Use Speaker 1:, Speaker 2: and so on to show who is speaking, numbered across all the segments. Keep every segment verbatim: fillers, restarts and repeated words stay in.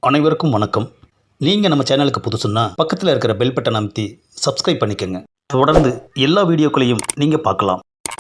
Speaker 1: அனைவருக்கும் வணக்கம். நீங்கள் நம்ம சேனலுக்கு புதுசுன்னா பக்கத்தில் இருக்கிற பெல் பட்டன் அமைத்தி சப்ஸ்கிரைப் பண்ணிக்கோங்க. தொடர்ந்து எல்லா வீடியோக்களையும் நீங்கள் பார்க்கலாம்.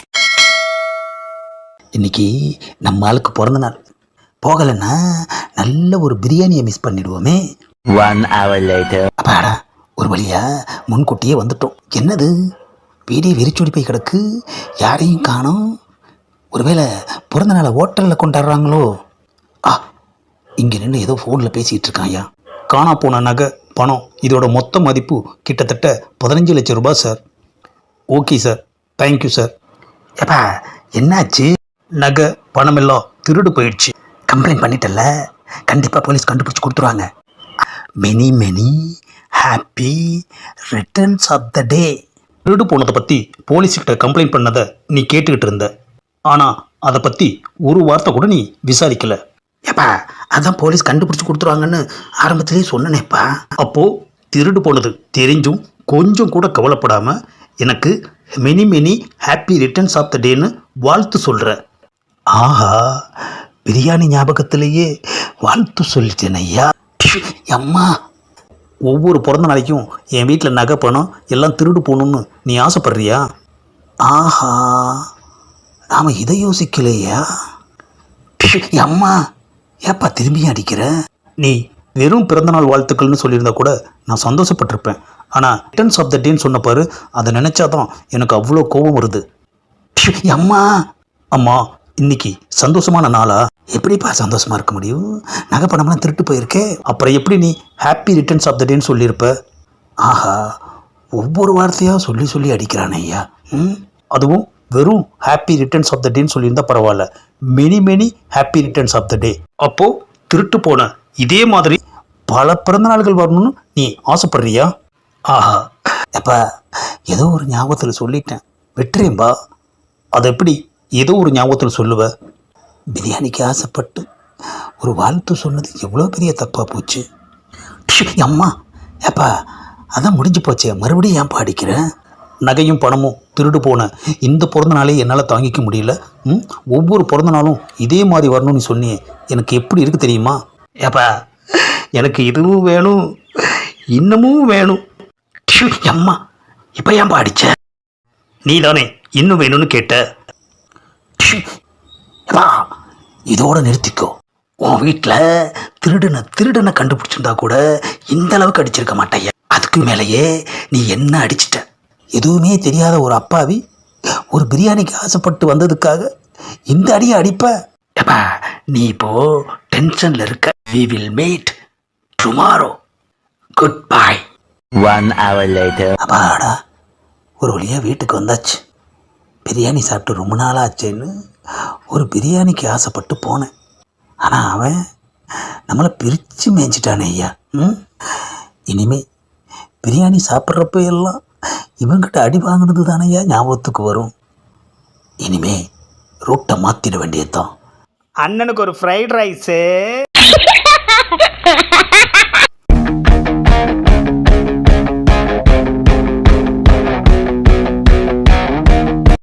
Speaker 2: இன்றைக்கி நம்ம ஆளுக்கு பிறந்த நாள். போகலைன்னா நல்ல ஒரு பிரியாணியை மிஸ் பண்ணிடுவோமே.
Speaker 3: One hour later.
Speaker 2: அப்பாடா, ஒரு வழியாக முன்கூட்டியே வந்துட்டோம். என்னது வீடியோ வெறிச்சோடி போய் கிடக்கு, யாரையும் காணோம். ஒருவேளை பிறந்த நாளை ஹோட்டலில் கொண்டாடுறாங்களோ? ஆ, இங்கே நின்று ஏதோ ஃபோனில் பேசிகிட்டு இருக்காயா.
Speaker 1: காணா போன நகை, பணம், இதோட மொத்த மதிப்பு கிட்டத்தட்ட பதினஞ்சு லட்சம் ரூபாய் sir. Okay sir, thank you sir.
Speaker 2: ஏப்பா என்னாச்சு?
Speaker 1: நகை பணமெல்லாம் திருடு போயிடுச்சு.
Speaker 2: கம்ப்ளைண்ட் பண்ணிட்டல, கண்டிப்பாக போலீஸ் கண்டுபிடிச்சி கொடுத்துருவாங்க. Many many happy returns of the day.
Speaker 1: திருடு போனதை பற்றி போலீஸ்கிட்ட கம்ப்ளைண்ட் பண்ணதை நீ கேட்டுக்கிட்டு இருந்த. ஆனால் அதை பற்றி ஒரு வார்த்தை கூட நீ விசாரிக்கலை.
Speaker 2: ஏப்பா அதான் போலீஸ் கண்டுபிடிச்சி கொடுத்துருவாங்கன்னு ஆரம்பத்திலேயே சொன்னனேப்பா.
Speaker 1: அப்போது திருடு போனது தெரிஞ்சும் கொஞ்சம் கூட கவலைப்படாமல் எனக்கு many many happy returns of the டேன்னு வாழ்த்து சொல்கிற.
Speaker 2: ஆஹா, பிரியாணி ஞாபகத்திலேயே வாழ்த்து சொல்லிட்டேன் ஐயா. அம்மா,
Speaker 1: ஒவ்வொரு பிறந்த நாளைக்கும் என் வீட்டில் நகை பணம் எல்லாம் திருடு போகணுன்னு நீ ஆசைப்படுறியா?
Speaker 2: ஆஹா, நாம் இதை யோசிக்கலையா. அம்மா, ஏப்பா திரும்பியும் அடிக்கிற?
Speaker 1: நீ வெறும் பிறந்தநாள் வாழ்த்துக்கள்னு சொல்லியிருந்தா கூட நான் சந்தோஷப்பட்டிருப்பேன். ஆனால் ரிட்டர்ன்ஸ் ஆஃப் த டேன்னு சொன்ன பாரு, அதை நினச்சாதான் எனக்கு அவ்வளோ கோபம் வருது.
Speaker 2: அம்மா,
Speaker 1: அம்மா, இன்னைக்கு சந்தோஷமான நாளா?
Speaker 2: எப்படிப்பா சந்தோஷமாக இருக்க முடியும்? நகை பணம்லாம் திருட்டு போயிருக்கே.
Speaker 1: அப்புறம் எப்படி நீ ஹாப்பி ரிட்டர்ன்ஸ் ஆஃப் த டேன்னு சொல்லியிருப்ப?
Speaker 2: ஆஹா, ஒவ்வொரு வார்த்தையாக சொல்லி சொல்லி அடிக்கிறானே ஐயா. ம்
Speaker 1: அதுவும் வெறும் ஹாப்பி ரிட்டர்ன்ஸ் ஆஃப் த டேன்னு சொல்லியிருந்தா பரவாயில்ல, many many happy returns of the day. அப்போது திருட்டு போன இதே மாதிரி பல பிறந்த நாள்கள் வரணும்னு நீ ஆசைப்படுறியா?
Speaker 2: ஆஹா, எப்பா ஏதோ ஒரு ஞாபகத்தில் சொல்லிட்டேன், விட்டுறேன்பா.
Speaker 1: அதை எப்படி ஏதோ ஒரு ஞாபகத்தில் சொல்லுவ?
Speaker 2: பிரியாணிக்கு ஆசைப்பட்டு ஒரு வாழ்த்து சொன்னது எவ்வளோ பெரிய தப்பாக போச்சு. அம்மா, ஏப்பா அதான் முடிஞ்சு போச்சே, மறுபடியும் ஏன்ப்பா அடிக்கிறேன்?
Speaker 1: நகையும் பணமும் திருடு போன இந்த பிறந்த நாளே என்னால் தாங்கிக்க முடியல. ம் ஒவ்வொரு பிறந்த நாளும் இதே மாதிரி வரணும்னு சொன்னியே, எனக்கு எப்படி இருக்குது தெரியுமா?
Speaker 2: ஏப்பா
Speaker 1: எனக்கு இதுவும் வேணும், இன்னமும் வேணும்.
Speaker 2: அம்மா, இப்போ ஏன்பா அடிச்ச?
Speaker 1: நீ தானே இன்னும் வேணும்னு கேட்ட.
Speaker 2: ஏப்பா இதோட நிறுத்திக்கோ. உன் வீட்டில் திருடனை திருடனை கண்டுபிடிச்சிருந்தா கூட இந்த அளவுக்கு அடிச்சிருக்க மாட்டேன். அதுக்கு மேலேயே நீ என்ன அடிச்சிட்ட? எதுவுமே தெரியாத ஒரு அப்பாவி ஒரு பிரியாணிக்கு ஆசைப்பட்டு வந்ததுக்காக இந்த அடியை அடிப்ப? ஏப்பா நீ இப்போ டென்ஷனில் இருக்க. We will meet tomorrow. Good bye.
Speaker 3: One hour later.
Speaker 2: அப்பாடா, ஒரு வழியாக வீட்டுக்கு வந்தாச்சு. பிரியாணி சாப்பிட்டு ரொம்ப நாளாச்சேன்னு ஒரு பிரியாணிக்கு ஆசைப்பட்டு போனேன். ஆனால் அவன் நம்மளை பிரித்து மேய்ச்சிட்டானே ஐயா. ம் இனிமே பிரியாணி சாப்பிட்றப்ப எல்லாம் இவங்கிட்ட அடி வாங்கினது தானையா ஞாபகத்துக்கு வரும். இனிமே ரூட்டை மாற்றிட வேண்டியதுதான்.
Speaker 1: அண்ணனுக்கு ஒரு ஃப்ரைட் ரைஸு.